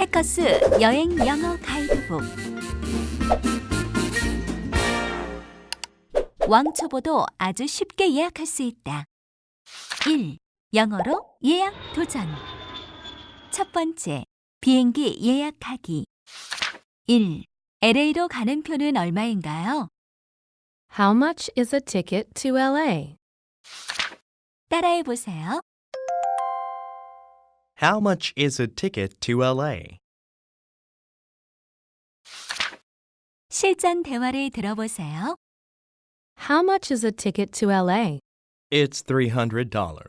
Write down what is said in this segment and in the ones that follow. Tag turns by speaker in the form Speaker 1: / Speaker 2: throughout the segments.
Speaker 1: 해커스 여행 영어 가이드북 왕초보도 아주 쉽게 예약할 수 있다. 1. 영어로 예약 도전. 첫 번째, 비행기 예약하기. 1. LA로 가는 표는 얼마인가요?
Speaker 2: How much is a ticket to LA?
Speaker 1: 따라해 보세요.
Speaker 3: How much is a ticket to LA?
Speaker 1: 실전 대화를 들어보세요.
Speaker 2: How much is a ticket to LA?
Speaker 3: It's $300.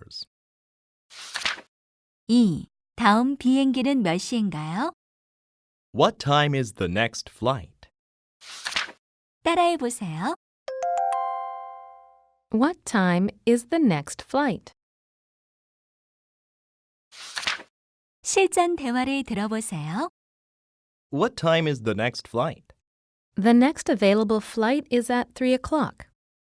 Speaker 1: 2. 다음 비행기는 몇 시인가요?
Speaker 3: What time is the next flight?
Speaker 1: 따라해 보세요.
Speaker 2: What time is the next flight?
Speaker 1: 실전 대화를 들어보세요.
Speaker 3: What time is the next flight?
Speaker 2: The next available flight is at 3 o'clock.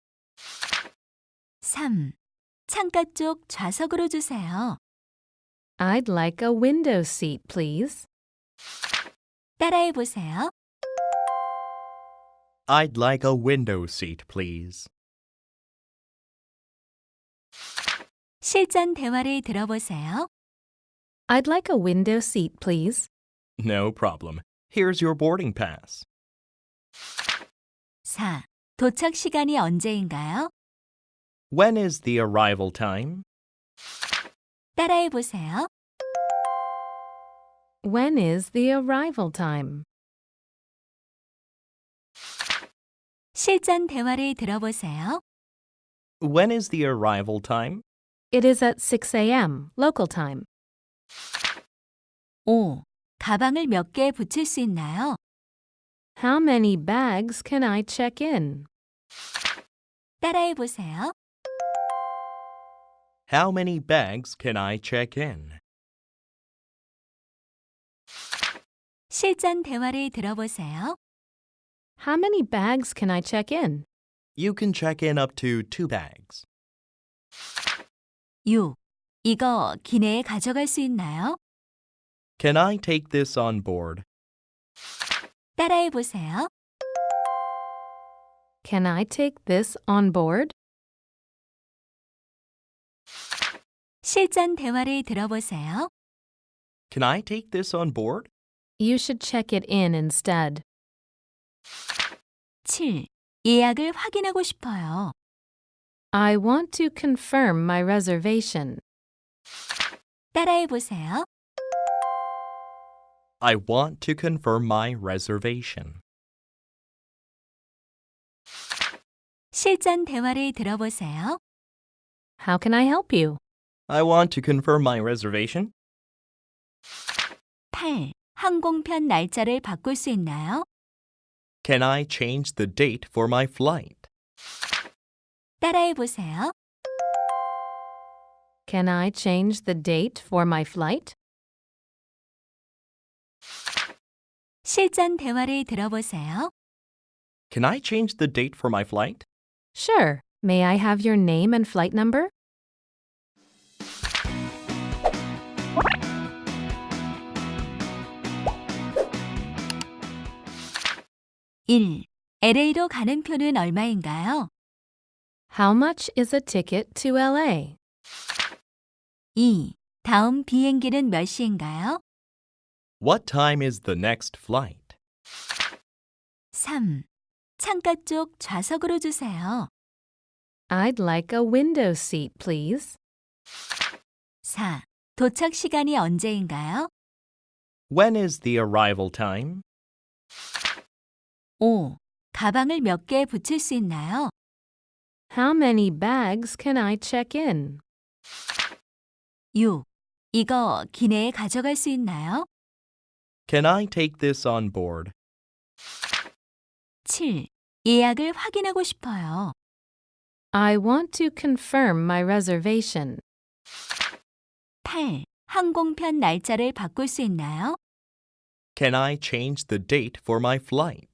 Speaker 1: 3. 창가 쪽 좌석으로 주세요.
Speaker 2: I'd like a window seat, please.
Speaker 1: 따라해 보세요.
Speaker 3: I'd like a window seat, please.
Speaker 1: 실전 대화를 들어보세요.
Speaker 2: I'd like a window seat, please.
Speaker 3: No problem. Here's your boarding pass.
Speaker 1: 4. 도착 시간이 언제인가요?
Speaker 3: When is the arrival time?
Speaker 1: 따라해 보세요.
Speaker 2: When is the arrival time?
Speaker 1: 실전 대화를 들어보세요.
Speaker 3: When is the arrival time?
Speaker 2: It is at 6 a.m. local time.
Speaker 1: 5. 가방을 몇 개 붙일 수 있나요?
Speaker 2: How many bags can I check in?
Speaker 1: 따라해 보세요.
Speaker 3: How many bags can I check in?
Speaker 1: 실전 대화를 들어보세요.
Speaker 2: How many bags can I check in?
Speaker 3: You can check in up to 2 bags.
Speaker 1: 6. 이거 기내에 가져갈 수 있나요?
Speaker 3: Can I take this on board?
Speaker 1: 따라해 보세요.
Speaker 2: Can I take this on board?
Speaker 1: 실전 대화를 들어보세요.
Speaker 3: Can I take this on board?
Speaker 2: You should check it in instead.
Speaker 1: 7. 예약을 확인하고 싶어요.
Speaker 2: I want to confirm my reservation.
Speaker 1: 따라해 보세요.
Speaker 3: I want to confirm my reservation.
Speaker 1: 실전 대화를 들어보세요.
Speaker 2: How can I help you?
Speaker 3: I want to confirm my reservation.
Speaker 1: 8. 항공편 날짜를 바꿀 수 있나요?
Speaker 3: Can I change the date for my flight?
Speaker 1: 따라해 보세요.
Speaker 2: Can I change the date for my flight?
Speaker 1: 실전 대화를 들어보세요.
Speaker 3: Can I change the date for my flight?
Speaker 2: Sure. May I have your name and flight number?
Speaker 1: (1) LA로 가는 표는 얼마인가요?
Speaker 2: How much is a ticket to LA?
Speaker 1: 2. 다음 비행기는 몇 시인가요?
Speaker 3: What time is the next flight?
Speaker 1: 3. 창가 쪽 좌석으로 주세요.
Speaker 2: I'd like a window seat, please.
Speaker 1: 4. 도착 시간이 언제인가요?
Speaker 3: When is the arrival time?
Speaker 1: 5. 가방을 몇 개 붙일 수 있나요?
Speaker 2: How many bags can I check in?
Speaker 1: 6. 이거 기내에 가져갈 수 있나요?
Speaker 3: Can I take this on board?
Speaker 1: 7. 예약을 확인하고 싶어요.
Speaker 2: I want to confirm my reservation.
Speaker 1: 8. 항공편 날짜를 바꿀 수 있나요?
Speaker 3: Can I change the date for my flight?